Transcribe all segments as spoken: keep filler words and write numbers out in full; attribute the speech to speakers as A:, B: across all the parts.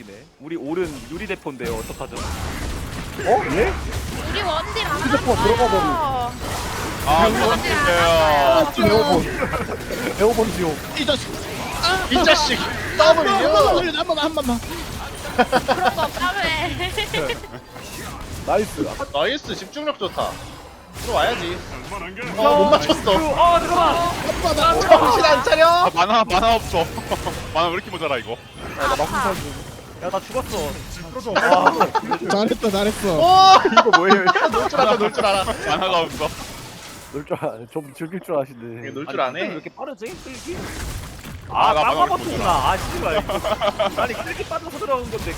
A: 아니네. 우리 오른 유리 대포인데요. 어떡하죠?
B: 어? 예?
C: 우리 원딜 안
B: 휴대폰 들어가
C: 왔어요.
D: 아,
C: 원딜 안
D: 부탁드려요.
C: 왔어요.
B: 에어본 에어본 지옥.
E: 이 자식.
D: 이 자식. 더블
E: 한
D: 유.
E: 번만 한 번만 한 번만.
C: 그런 거 없다며.
B: 나이스.
D: 나이스 집중력 좋다. 들어와야지. 어, 못 맞췄어.
A: 어 잠깐만.
E: 아빠
D: 정신 안 차려?
F: 아 만화 만화 없어. 만화 왜 이렇게 모자라 이거?
B: 나 막상
C: 아파.
B: 살고.
A: 야나 죽었어.
E: 나 잘했다 잘했어.
D: 오!
B: 이거 뭐예요?
D: 놀 줄 알아, 놀 줄 알아.
F: 만화가 없어.
B: 놀줄 알, 좀 즐길 줄 아시네.
D: 놀 줄
A: 아니,
D: 아네.
A: 왜 이렇게 빠르지? 끌기?
F: 아,
A: 아,
F: 나
A: 깜깜
F: 방금
A: 버튼구나. 아, 씨발. 이거. 아니, 끌기 빠져서 들어간 건데.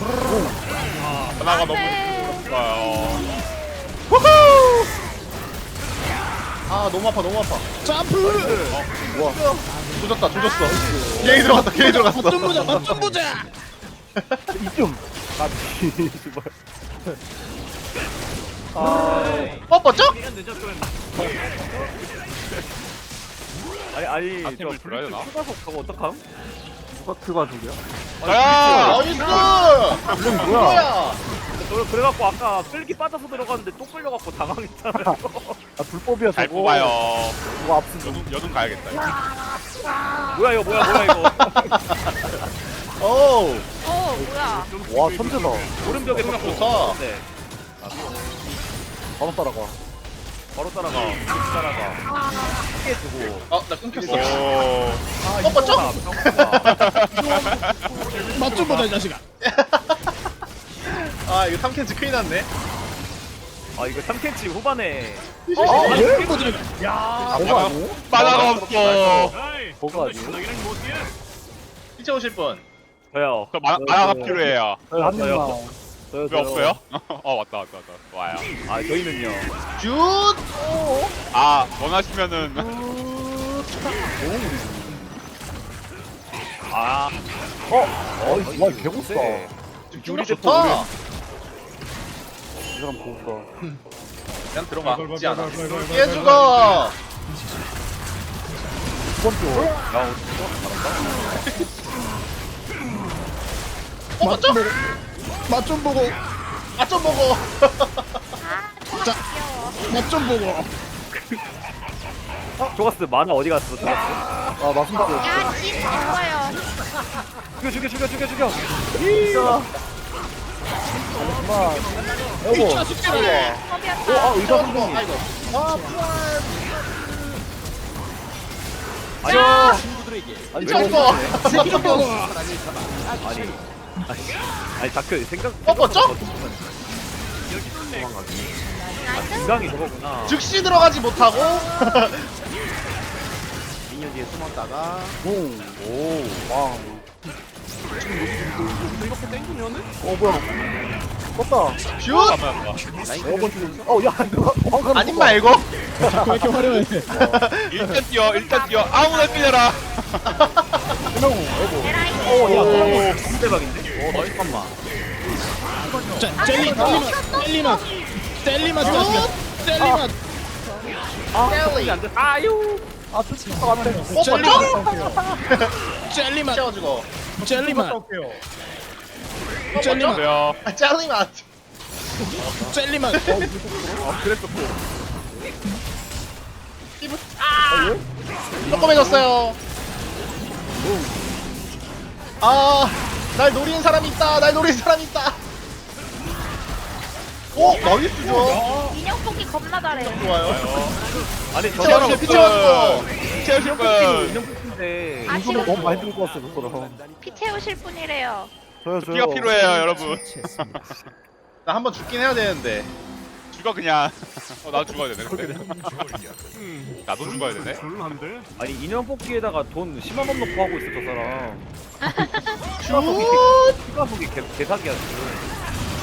F: 만화가
C: 안 돼.
F: 너무 좋아요.
D: 아, 너무 아파, 너무 아파.
E: 점프.
D: 조졌다, 조졌어. 괜히 들어갔다, 괜히 들어갔어.
E: 맛좀 보자 맛좀 보자.
B: 이쯤. 아, 씨발.
D: 뻗었죠?
A: 시간 늦었으면. 아니, 아니, 저
F: 아템을 줄여야 되나?
A: 추가속 가고 어떡함?
B: 누가 트가 저기야?
F: 자야.
D: 나이스!
B: 이건 뭐야?
D: 뭐야?
A: 저 그래갖고 아까 끌기 빠져서 들어갔는데 또 끌려갖고 당황했잖아요.
B: 아, 불법이야
F: 잘
B: 저거.
F: 뽑아요.
B: 저거 압수.
F: 여든 여든 가야겠다. 이거.
A: 뭐야, 이거, 뭐야, 뭐야, 이거.
D: 오!
C: 어 뭐야?
B: 와, 천재다.
A: 오른벽에
D: 생각
A: 벽
D: 좋다.
A: 네.
B: 바로 따라가.
A: 바로 따라가. 따라가. 크게 두고.
D: 아, 나 끊겼어.
F: 오.
D: 뻗었죠?
E: 맛좀 보자 이 자식아.
D: 아, 이거 삼 캔치 큰일 났네.
A: 아, 이거 삼 캔치 후반에.
B: 아, 예?
E: 좀 보자.
A: 야,
B: 저거 아니에요?
F: 만화가 없어.
B: 저거 아니에요?
D: 피쳐 오실 분.
A: 저요.
F: 저 만, 만화가 필요해요.
B: 저희 한
A: 저요.
B: 입만. 저요,
F: 왜
B: 저요.
F: 없어요? 어 왔다 왔다 왔다. 와요.
A: 아, 저희는요.
D: 슛!
F: 아 원하시면은
A: 아,
B: 어, 와, 개고수다.
A: 네.
D: 집중력
A: 유리
D: 좋다.
B: 이 사람 고수다.
D: 그냥 들어가지 않아. 얘 죽어!
B: 두 번째.
A: 야,
D: 뻗었죠?
E: 맛좀 보고
D: 아, 좀 보고.
C: 아
E: 자.
C: 귀여워.
E: 맛좀 보고.
A: 조가스 만화 어디 갔어? 조가스?
B: 아, 맞습니다.
C: 야, 진 죽어요.
A: 죽여, 죽여, 죽여, 죽여, 죽여.
B: 진짜. 잠깐만.
E: 이
B: 여보.
E: 자식들아.
C: 컵이었다.
B: 어, 아, 의사 선생님.
D: 아이고. 아, 부활.
A: 아니,
B: 아니,
D: 피쳐
B: 저거.
D: 오고.
E: 맛좀 보고.
A: 아니, 아니, 아니, 다크 생각.
D: 뻗었죠?
A: 인강이 저거구나.
D: 즉시 들어가지 못하고.
A: 미니언 뒤에 숨었다가.
B: 오.
A: 오,
B: 왕.
A: 이렇게 땡기면은?
B: 어, 뭐야. 떴다.
D: 슛!
B: 에어본 중. 어, 야, 누가 도망가는
D: 아님
B: 거 봐.
D: 말고.
E: 왜 이렇게 화려해?
F: 일단 뛰어 일단 뛰어 아무나 뛰어라.
B: 그냥 에어본.
C: 에라이.
A: 어, 야,
B: 오.
A: 너무 대박인데? 어, 너 잠깐만.
E: 자, 젤리 젤리 맛. 젤리 맛. 젤리 맛. 자식아. 젤리 맛.
A: 아, 젤리 안 돼. 아유.
B: 아, 쫓을 것 같아.
E: 젤리
D: 뻗었죠?
E: 맛. 젤리 맛.
D: 피쳐가지고.
E: 젤리 맛. 젤리 맛.
F: 안돼요.
D: 아, 짤리 맛.
E: 젤리 맛.
A: 아, 그랬었고.
D: 조그매졌어요. 아, 날 노리는 사람이 있다. 날 노리는 사람이 있다. 오, 나이스죠.
C: 인형 뽑기 겁나 잘해.
D: 좋아요.
A: 아니, 저
D: 피쳐,
A: 사람
D: 피쳐, 피쳐가지고.
F: 채우실 분.
A: 인형 뽑기인데.
C: 아,
B: 이거는 너무
C: 지금
B: 많이 들고 왔어, 그거랑.
C: 피 채우실 분이래요.
B: 저요, 저요.
F: 피가 필요해요 여러분.
D: 나 한 번 죽긴 해야 되는데.
F: 죽어 그냥. 어 나도 죽어야 되네. 근데. 나도 죽어야 되네.
A: 아니, 인형 뽑기에다가 돈 십만 원 넣고 하고 있어, 저 사람.
D: 슛!
A: 추가속이 개, 개사기야, 지금.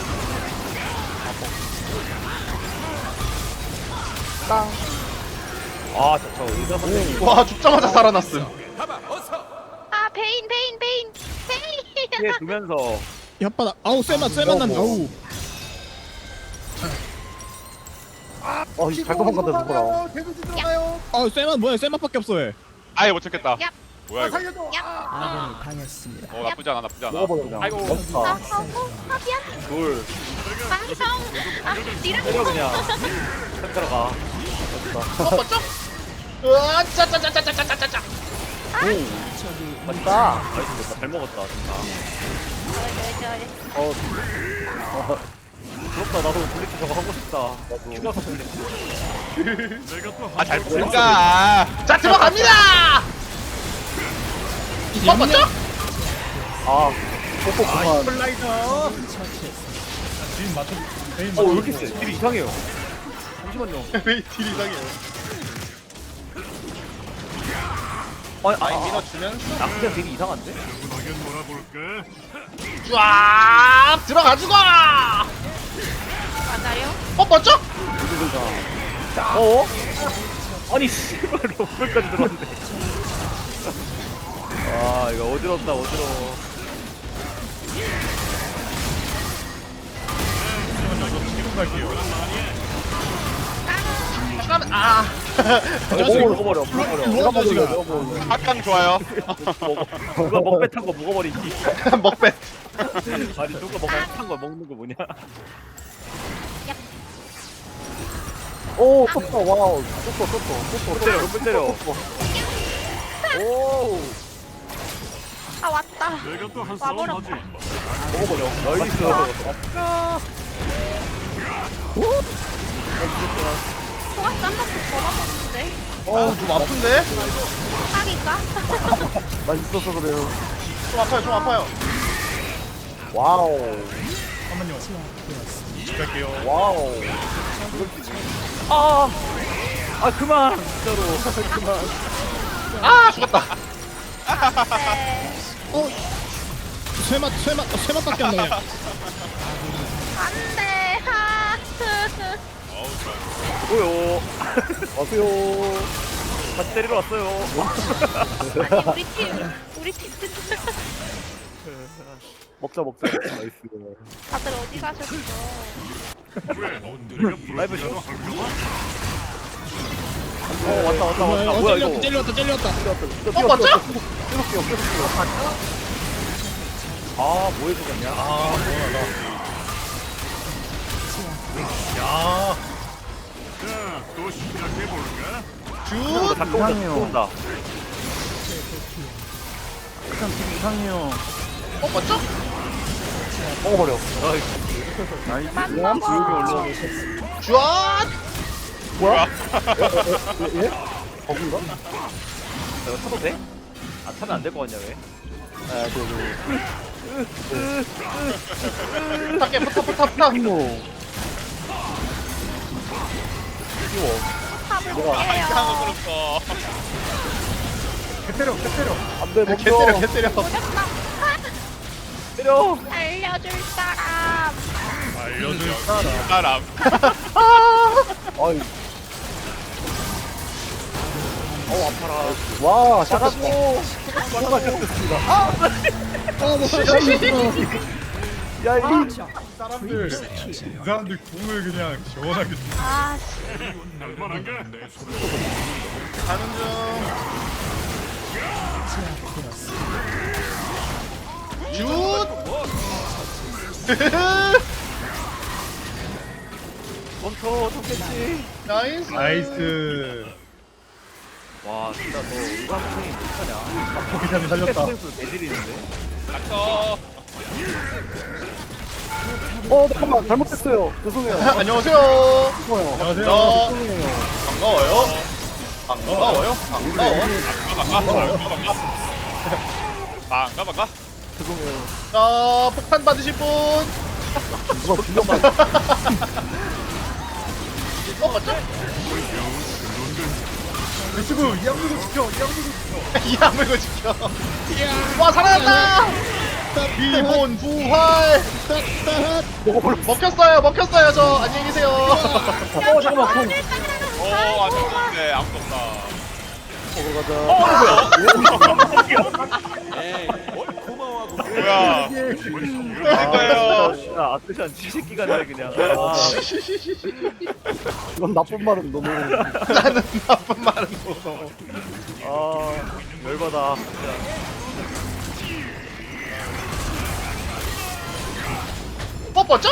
B: 땅.
A: 아, 저, 저 의사 선생님.
D: 와, 죽자마자 살아났음.
C: 아 베인 베인 베인 베인.
A: 피해 두면서.
E: 혓바닥. 아우 쇠맛 쇠맛 난다. 아우.
B: 어, 잘 도망간다, 누구랑.
E: 아우 쇠맛 뭐야? 쇠맛밖에 없어 왜?
F: 아예 못 찾겠다.
C: 야.
F: 뭐야 이거?
E: 아군이 당했습니다.
F: 어 나쁘지 않아 나쁘지 않아.
B: 먹어버려 그냥.
F: 아이고.
C: 아,
B: 연타.
C: 아, 어, 아, 미안.
A: 둘
C: 아, 형. 아, 니랑
A: 때려 그냥 딱 들어가.
D: 어 멋져? 으아 짜짜짜짜짜짜짜짜.
A: 맞다. 나이스 잘 먹었다 진짜.
B: 어,
A: 부럽다. 나도 블리츠 저거 하고 싶다. 나도. 추가서 블리츠.
F: 아잘 보니까.
D: 자 들어갑니다. 어 멋져?
B: 아, 뽀뽀 그만.
A: 플라이더. 어, 왜 이렇게 세? 딜이 이상해요. 잠시만요.
D: 왜 딜 이상해요?
A: 아니, 아,
D: 아이
A: 아,
D: 밀어주면서
A: 아, 그냥 딜이 이상한데?
D: 쫙 들어가지고.
C: 맞아요?
D: 어 멋져?
A: 어? 아니, 씨발, 러블까지 들어왔네. 아, 이거 어지럽다, 어지러워.
D: 잠깐만 아.
A: 먹어, 먹어버려, 먹어버려.
B: 내가 먹을래, 내가 먹을래.
F: 합강 좋아요.
A: 먹어. 누가 먹배 탄 거 먹어버리지.
D: 먹배.
A: 아니, 누가 먹배 탄거 먹는 거 뭐냐?
B: 오, 떴다, 와우. 떴어, 떴어, 떴어.
A: 못 때려, 못 때려. 오,
C: 아, 왔다. 와버렸다.
A: 먹어버려. 나이스.
C: 소가 쌈밥도 더 먹었는데.
D: 어 좀 아픈데?
C: 딱인가?
B: 나 있어서 그래요.
D: 좀 아파요 좀 아파요.
B: 와우. 와우.
A: 아, 아, 그만. 진짜로. 그만.
D: 아 죽었다.
C: 네.
E: 쇠맛 쇠맛 어, 쇠맛밖에 안 나요.
C: 안 돼. 하.
A: 뭐요?
B: 와세요.
A: 같이 때리러 왔어요.
C: 아니, 우리 팀. 우리 팀.
B: 먹자, 먹자. 나이스.
C: 다들 어디 가셨어?
A: 라이브 중. 어, 왔다, 왔다, 왔다.
E: 어,
A: 뭐야,
E: 찔렸다
A: 이거.
E: 찔렸다 찔렸다.
D: 어 멋져?
B: 깨볼게요, 깨볼게요.
A: 아, 뭐 해주겠냐? 아,
D: 슛.
A: 다 또 온다, 또 온다.
B: 그냥 되게 이상해요.
D: 어 멋져?
B: 먹어버려.
A: 나이스.
C: 그만
B: 그냥
C: 먹어.
B: 지우개 올라오고.
D: 슛.
B: 뭐야? 예? 예? 버그인가?
A: 이거 타도 돼? 아, 타면 안 될 것 같냐, 왜?
B: 아, 네, 네.
D: 부탁해 부탁 부탁 부탁.
B: 이모.
C: 탑을
B: 뭐가?
C: 볼게요.
F: 그렇어.
B: 안 돼,
D: 개
B: 먹자.
D: 때려 개 때려.
C: 오졌다.
A: 때려!
C: 알려줄 사람.
F: 알려줄 사람.
B: 아이,
A: 어우, 아파라.
B: 와, 샷
A: 잡았고!
B: 뭐가 셨습니다
E: 아 뭐.
B: 야, 이
G: 사람들 이 사람들 궁을 그냥 시원하게
C: 아, 씨.
D: 가는 중. 슛.
A: 멈춰, 좋겠지.
D: 나이스.
G: 나이스.
A: 와, 진짜 너 의관 선생님 못하냐?
G: 포기감이 살렸다.
A: 선생님 개질이는데?
F: 닥쳐.
B: 어, 잠깐만, 잘못했어요. 죄송해요.
D: 안녕하세요.
B: 죄송해요.
G: 안녕하세요.
D: 저
B: 죄송해요.
D: 반가워요. 반가워요. 반가워.
F: 반가 반가.
B: 죄송해요.
D: 자 폭탄 받으실 분.
B: 누가 불려만.
D: 어 맞죠?
G: 유튜브 이 양물고 지켜. 이 양물고 지켜.
D: 이 아물고 지켜. 와 살아났다. 기본 부활. 먹혔어요. 먹혔어요. 저 안녕히 계세요.
B: 어, 잠깐만.
F: 오 안좋은데 아무도 없다.
B: 먹으러 가자.
F: 뭐야? 그러니까요.
A: 야, 아크샨 쥐새끼 같네, 그냥. 아,
B: 이건 나쁜 말은 너무.
D: 나는 나쁜 말은 뭐.
A: 아, 열받아. 진짜.
D: 뻗뻗죠?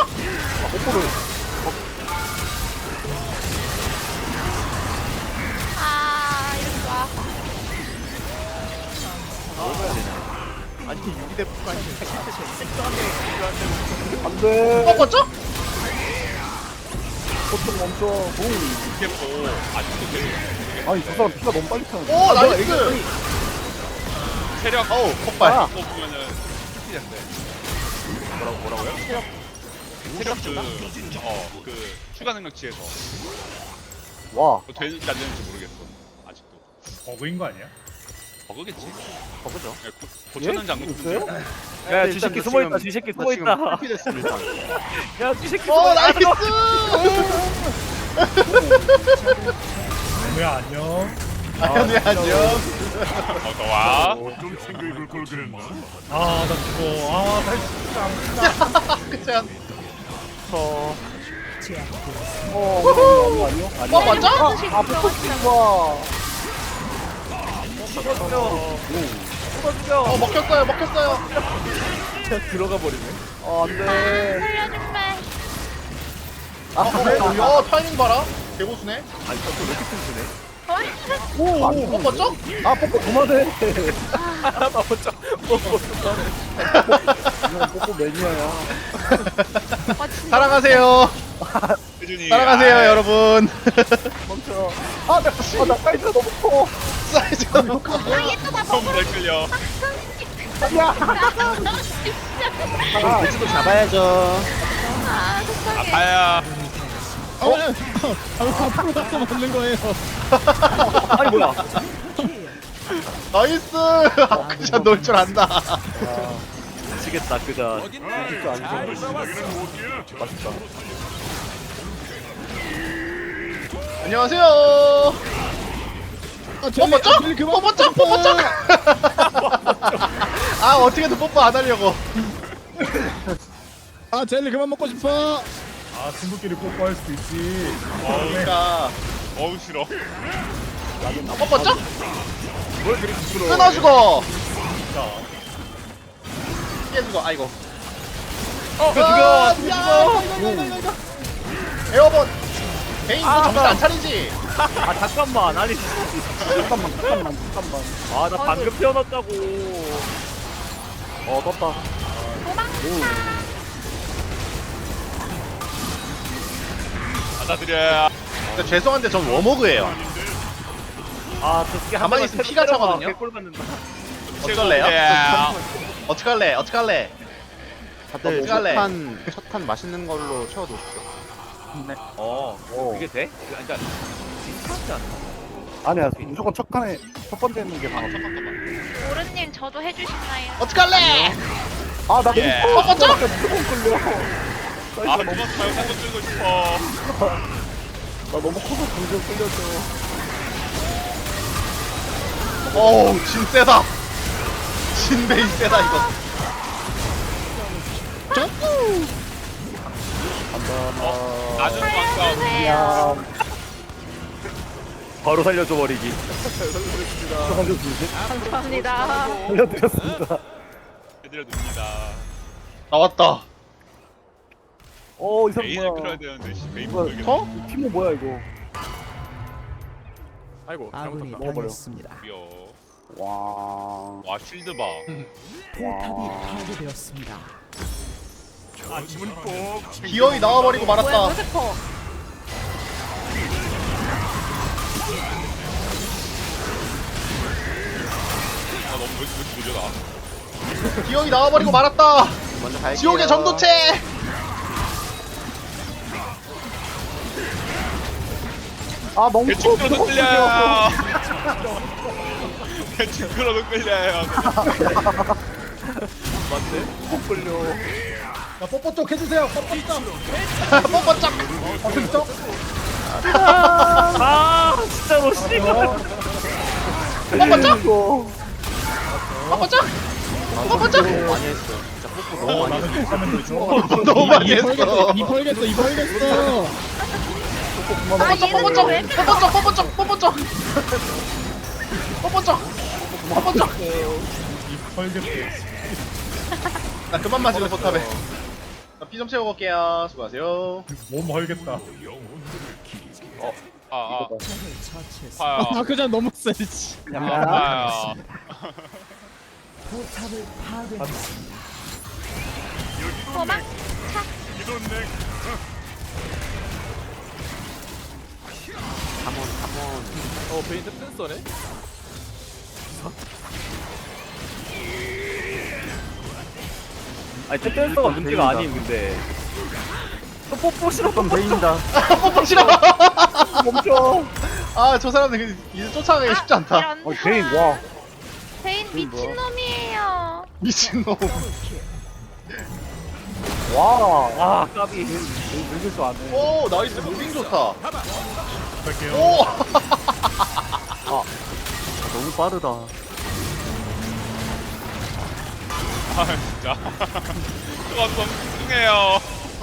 C: 아 이렇게 와.
B: 아니 유기대포가 안돼.
D: 뻗뻗죠?
B: 보통 멈춰. 오.
F: 이게뭐 아직도 계속
B: 아니 저 사람 피가 너무 빨리 차는.
D: 오 나이스.
F: 체력
D: 어우 폭발.
B: 아.
F: 그거 보면은 스피드인데 뭐라고 뭐라고요? 체력 체력 그어그 추가 능력치에서
B: 와.
F: 그거 되는지 안 되는지 모르겠어 아직도
G: 버그인 거 아니야?
F: 버그겠지?
A: 버그죠.
F: 예, 고, 고쳤는지 안
B: 있어요?
F: 고쳤는지
A: 야, 쥐새끼 숨어 있다. 쥐새끼 숨어 있다. 야, 쥐새끼
D: 어
A: 숨어 있다.
D: 나이스.
G: 뭐야 안녕.
D: 아 현우야 안녕.
F: 어서와
G: 아나 죽어. 아나 진짜 안
D: 그냥
B: 어. 어. 아니요 아니요.
D: 어 맞아?
B: 아 포커싱 와.
D: 어 먹혔어요 먹혔어요.
A: 들어가 버리네.
B: 아 안돼.
C: 살려줄래?
B: 아
D: 어 타이밍 봐라. 개고수네.
A: 아니, 저거 왜 이렇게 튼튼해?
B: 오.
D: 오 뻗뻗죠?
B: 아 뽀뽀 그만해.
A: 나 혼자 뽀뽀
B: 이건 뽀뽀 매니아야.
C: 아 진짜.
D: 사랑하세요.
F: 혜준이
D: 사랑하세요
F: 아이,
D: 여러분.
B: 멈춰. 아나 아, 나 사이즈가 너무 커.
D: 사이즈가
C: 아얘또나
F: 너무
C: 먹으러.
F: 잘 끌려
B: 야.
D: 아, 배치도 잡아야죠.
C: 아 속상해.
F: 아파야
E: 어, 어, 아, 앞으로 가서 맞는 거예요.
A: 아니, 뭐야.
D: 나이스. 아크샷 넣을 줄 안다.
A: 미치겠다, 그자.
B: 진짜 안 좋아. 맛있다.
D: 안녕하세요.
E: 아, 젤리,
D: 뽀뽀
E: 아, 젤리 그만
D: 뽀뽀 쩍 뽀뽀 쩍. 아 어떻게든 뽀뽀 안 하려고.
E: 아, 젤리 그만 먹고 싶어.
G: 아 친구끼리 뽀뽀할 수도 있지.
D: 그러니까
F: 어우 싫어
D: 아, 뽀뽀 쩍.
A: 뭘 그리 부끄러워.
D: 끊어주고. 깨주고 아이고.
A: 어,
D: 아,
A: 죽여.
D: 야, 이거, 이거, 이거, 이거. 에어본. 개인 너 정신 안 차리지?
A: 아, 잠깐만. 아니,
B: 잠깐만 잠깐만 잠깐만.
A: 아, 나 방금 태어났다고.
B: 어 떴다.
F: 받아들여야
D: 근데 죄송한데 전 워머그예요.
A: 아, 저 새끼 한
D: 가만히
A: 번만
D: 있으면
A: 패-
D: 피가
A: 때려봐.
D: 차거든요?
A: 개꿀 받는다.
D: 어쩔래요?
F: 야.
D: 어떡할래? 어떡할래?
H: 다들
D: 어떡할래?
H: 첫판 첫판 맛있는 걸로 채워놓으십시오.
A: 어,
B: 어.
A: 그게 돼? 그러니까 비슷하지 않나?
B: 아니야 무조건 첫 칸에 첫 번째 있는 게 방어.
C: 오른님 저도 해주시나요?
D: 어떡할래?
B: 아나 너무
F: 예.
B: 커.
D: 어, 쩍!
B: 무조건 끌려.
F: 아 그만 말고 한번 끌고 싶어
B: 나 너무 커서 공중 끌려줘.
D: 어우 진 세다. 진 베이 세다 이거.
B: 간다.
F: 나는 왕싸움
C: 살려주세요.
A: 바로 살려줘 버리기.
B: 살려주지.
C: 감사합니다.
B: 살려드렸습니다.
F: 해드려 둡니다
D: 나왔다.
B: 어, 이 사람
F: 메인을 끌어야
B: 뭐야?
F: 되는데 씨, 메인
B: 뭐야?
F: 못 끌겠네
B: 어? 이 팀은 뭐야 이거?
A: 아이고,
I: 아군이
A: 잘못했다.
B: 먹어버려.
I: 당했습니다.
F: 귀여워
B: 와.
F: 와 쉴드 봐
I: 포탑이 파괴되었습니다.
D: 기어이 나와버리고
C: 뭐야
D: 말았다.
C: 무스퍼.
F: 아 너무 왜 이렇게 느려 나
D: 기어이 나와버리고 말았다.
H: 먼저 갈게요.
D: 지옥의 전도체.
B: 아 너무
F: 대충
B: 커.
F: 끌어도 끌려요 대충 끌어도 끌려요
B: 못 끌려.
E: 야, 뽀뽀 쪽 해주세요. 뽀뽀 쪽.
D: 뽀뽀 짝.
E: 뽀뽀 쪽.
A: 아, 진짜로 씨발.
D: 뽀뽀 짝.
B: 이거.
D: 뽀뽀 짝. 뽀뽀 짝.
H: 많이 했어. 진짜 뽀뽀 너무 많이 했어.
D: 너무 많이
E: 이 벌겠어.
D: 했어.
E: 이 벌겠어. 이 벌겠어.
C: 아
D: 뽀뽀 짝.
C: 얘는
D: 뽀뽀 짝.
C: 왜
D: 뽀뽀 짝. 뽀뽀 짝. 뽀뽀 짝. 뽀뽀 짝.
G: 이 펄겠대.
D: 나 그만 맞으면 포탑에. 피 좀 채우고 올게요. 수고하세요.
G: 몸 헐겠다.
F: 아, 아,
I: 적을 처치했습니다.
F: 파야.
E: 아 그냥 너무 세지.
F: 파야.
I: 포탑을 파괴했습니다.
C: 도망.
H: 가몬 가몬.
A: 어 베인 센서네? 아니 댄서가 문제가 아닌 근데 또 뽀뽀 싫었던 베인이다.
D: 뽀뽀 싫어.
B: 멈춰.
D: 아, 저 사람들 이제 쫓아가기 쉽지 않다.
C: 이런.
B: 어, 베인 와.
C: 베인 미친놈이에요.
D: 미친놈.
B: 와.
A: 아 까비.
B: 늙을 줄 아네.
D: 오, 나이스. 무빙 좋다.
G: 갈게요.
D: 오.
H: 너무 빠르다.
F: 아, 진짜. 저가 너무 뚱해요.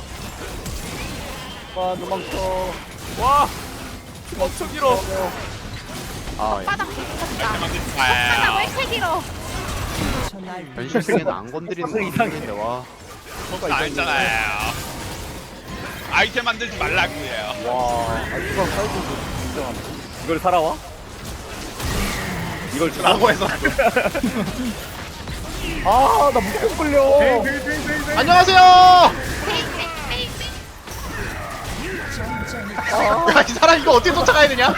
B: 와, 도망쳐.
A: 와 엄청 길어.
H: 아
C: 바닥 붙었다. 바닥 왜
F: 파야.
C: 이렇게 길어?
I: 전날
H: 변신 중에는 안 건드리는 거 이상인데 와.
F: 그거 안 했잖아요. 아이템 만들지 말라고요.
B: 와. 아, 이거 사이즈 인정한다.
A: 이걸 살아와? 이걸 주라.
D: 라고 해서.
B: 아, 나 무조건 끌려.
D: 안녕하세요.
C: 베인 베인 베인 베인.
D: 야, 이 사람 이거 어떻게 쫓아가야 되냐?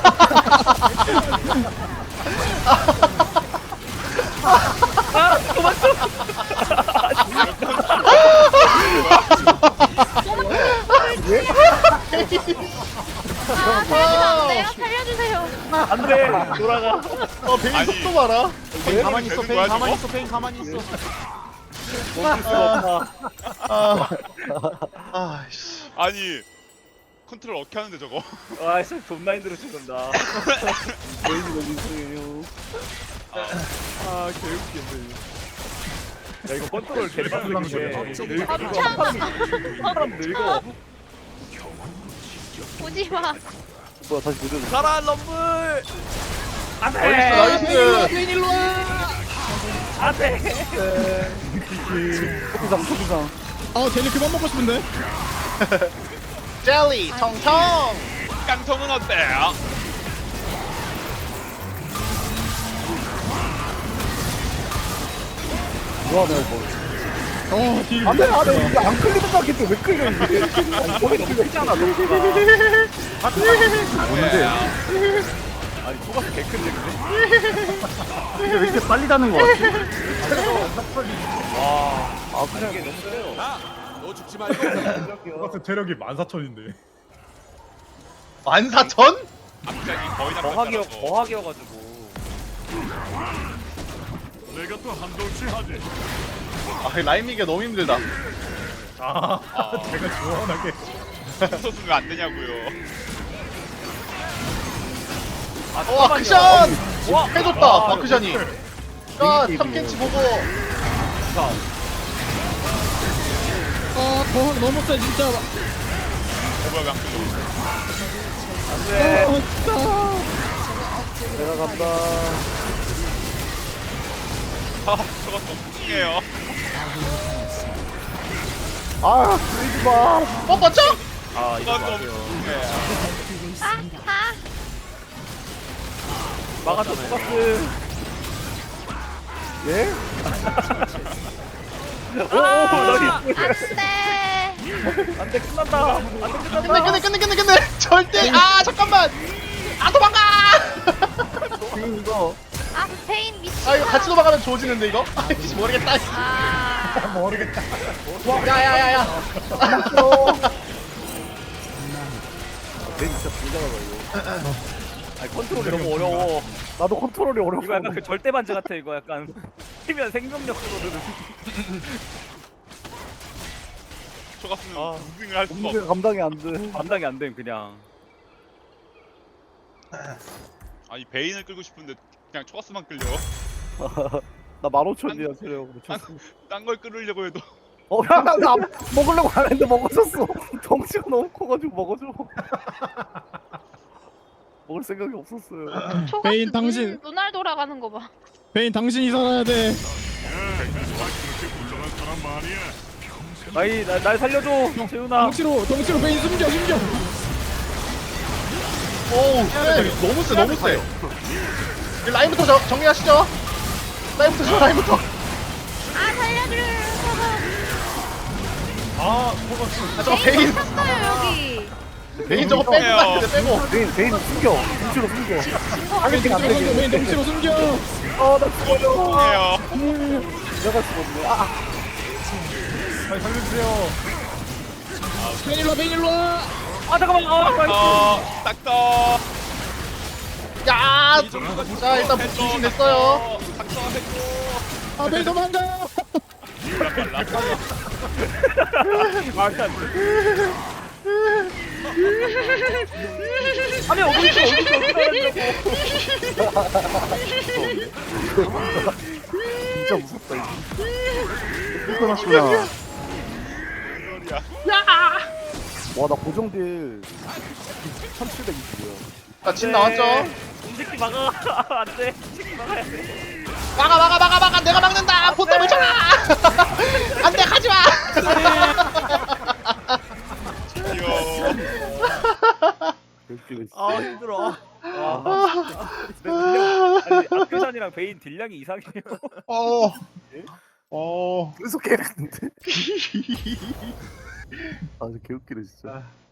C: 아 살려주면 안 돼요? 살려주세요.
A: 안돼 돌아가.
D: 어, 베인
F: 아니.
D: 속도 봐라.
H: 페인 가만히 있어.
F: 되는
H: 페인
F: 거야,
H: 가만히
F: 저거?
H: 있어. 페인 가만히 있어.
A: 멈출 수가 없다.
D: 아, 아, 씨.
F: 아니 컨트롤 어떻게 하는데 저거?
A: 아 진짜 존나 힘들어 죽는다. 베인이 너무 이상해요. 아 개웃기네. 야 이거 컨트롤 개빡센데
C: 멈춰.
A: 사람 늙어.
C: 오지 마.
B: 뭐야, 다시 도전.
A: 가라 럼블. 안돼.
D: 나이스.
A: 안돼.
B: 토끼상, 토끼상.
E: 아 쟤네 그만 먹고 싶은데.
D: 젤리 통통.
F: 깡통은 어때요?
B: 뭐하네, 뭐.
E: 어 딜.
B: 안 돼, 안 돼. 이게 안 끌리는 거 같겠지. 왜 끌려, 이게. 아니, 거기 너무 크잖아, 너가.
H: 뭔데?
A: 아니 토가스 개큰데 근데.
B: 이게 왜 이렇게 빨리 다는 거 같지?
A: 아 그냥 이게 너무 세요.
G: 똑같은 체력이 만 사천인데.
D: 만사천?
F: 갑자기 거의 다
A: 거하기여
F: 뺐더라고.
A: 거하기여가지고.
D: 아, 라인 미기가 너무 힘들다.
G: 아,
F: 아.
G: 제가 시원하게.
F: 써주면 안 되냐고요.
A: 아
D: 와,
A: 잠깐만요.
D: 크션!
A: 와
D: 해줬다,
A: 아,
D: 마크션이. 야, 탑켄치 보고.
E: 아 더 너무 세 진짜.
F: 오버가
A: 안돼.
E: 어 진짜.
B: 내가 간다.
F: 아, 저거 너무 뚱해요.
B: 아, 끌지 마.
D: 뽀뽀죠?
A: 아 이거
F: 저건 너무
A: 맞아요.
F: 뚱해.
C: 아 아.
A: 막아줘 토가스.
B: 예?
A: 오오 너리.
C: 안돼.
A: 안돼 끝난다. 안돼
D: 끝내,
A: 끝난다.
D: 끝내, 끝내, 끝내, 끝내. 절대. 아, 잠깐만. 아, 도망가!
B: 지금 이거.
C: 아 베인 미친.
D: 아, 이거 같이 도망가면 좋아지는데, 이거? 아이씨, 모르겠다.
C: 아.
B: 모르겠다.
D: 야, 야, 야, 야.
A: 내 진짜 불장하다 이거. 아니 컨트롤이 너무 어려워.
B: 나도 컨트롤이 어려워.
A: 이거 약간 그 절대 반지 같아 이거 약간. 뛰면 생명력 끌어들는.
F: 초가스는
A: 아.
F: 무빙을 할 수가
B: 몸무게
F: 없어.
B: 감당이 안 돼.
A: 감당이 안 됨 그냥.
F: 아니 베인을 끌고 싶은데 그냥 초가스만 끌려.
B: 나 만 오천이야, 체력.
F: 딴 걸 끌으려고 해도
B: 어, 야, 나, 나 먹으려고 안 했는데 먹어줬어. 덩치가 너무 커가지고 먹어줘. 먹을 생각이 없었어요.
C: 초가
E: 베인, 당신.
C: 눈알 돌아가는 거 봐.
E: 베인 당신이 살아야 돼.
A: 아이 날, 날 살려줘 재훈아.
E: 덩치로 덩치로 베인 숨겨 숨겨.
D: 오우 세 너무 세 너무 세 이 라인부터 저, 정리하시죠 라인부터 저 라인부터
C: 아 살려줘.
G: 아
D: 아 저거 베인
C: 탔어요 여기.
D: 베인 저거 빼고 가야 돼 빼고
B: 베인 베인 숨겨. 눈치로 숨겨. 타겟팅 안
E: 덩치로 숨겨.
B: 되게.
E: 베인 덩치로 숨겨.
B: 아나 죽어요.
F: 해요.
B: 내가 죽었네. 아
G: 빨리 살려주세요.
E: 베인 일로 와 베인 일로 와.
A: 아 잠깐만. 아 빨리.
F: 어, 딱떠.
D: 야! 자 일단 분신 됐어요
F: 딱떠 해줘.
E: 아 베인 도망가.
A: 아니 어디 있어 어디 있어 어디
B: 진짜 무섭다 이거. 불편하시구나. 와나 고정딜 천칠백이십이야.
D: 자진 나왔죠?
A: 이 새끼 막아. 안돼. 이 새끼 막아야 돼.
D: 막아 막아 막아 막아 내가 막는다 포탑을 쳐라 안돼 가지마
F: 귀여워.
A: 아 힘들어. 아, 아니 아크샨이랑 베인 딜량이 이상해요.
D: 어. 어.
B: 계속 해냈는데. 아, 저 개웃기네 진짜.